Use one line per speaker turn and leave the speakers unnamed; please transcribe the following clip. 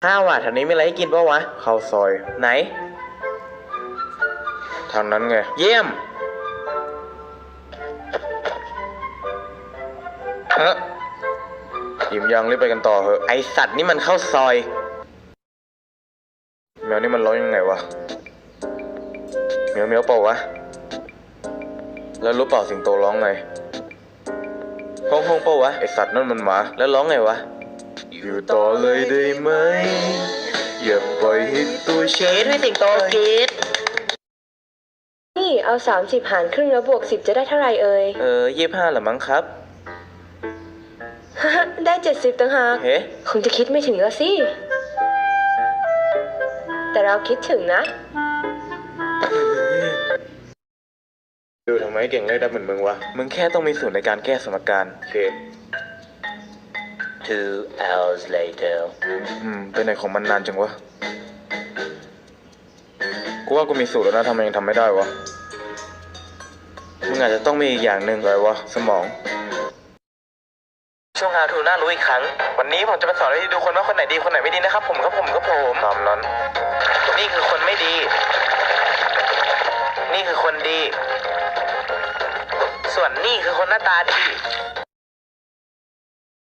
ข้าวอ่ะแถวนี้มีอะไรให้กินปะวะข้าวซอยไหนทางนั้นไงเยี่ยมเฮ้ยอิ่มยังรีบไปกันต่อเหอะไอสัตว์นี่มันข้าวซอยแมวนี่มันร้องยังไงวะเมียวเมียวเปล่าวะแล้วรู้เปล่าสิงโตร้องไงห้องห้องเปล่าวะไอสัตว์นั่นมันหมาแล้วร้องไงวะอยู่ต่อเลยได้ไหมอย่าปล่อยให้ตัวฉันให้สิงโตกรีด
นี่เอา30หารครึ่งแล้วบวก10จะได้เท่าไหร่เอ่ย
25เหรอมั้งครับ
ได้70ต่างหาก
เฮ้
คงจะคิดไม่ถึงแล้วสิแต่เราคิดถึงนะ
ดูทำไมเก่งเลขได้เหมือนมึงวะมึงแค่ต้องมีสูตรในการแก้สมการโอเค
2 hours later
ไปไหนของมันนานจังวะกูว่ากูมีสูตรแล้วนะทำไมยังทำไม่ได้วะมึงอาจจะต้องมีอีกอย่างหนึ่งอะไรวะสมองช่วงHow toน่ารู้อีกครั้งวันนี้ผมจะมาสอนให้ดูคนว่าคนไหนดีคนไหนไม่ดีนะครับผมตามนั้นนี่คือคนไม่ดี นี่คือคนดี ส่วนนี่คือคนหน้าตาดี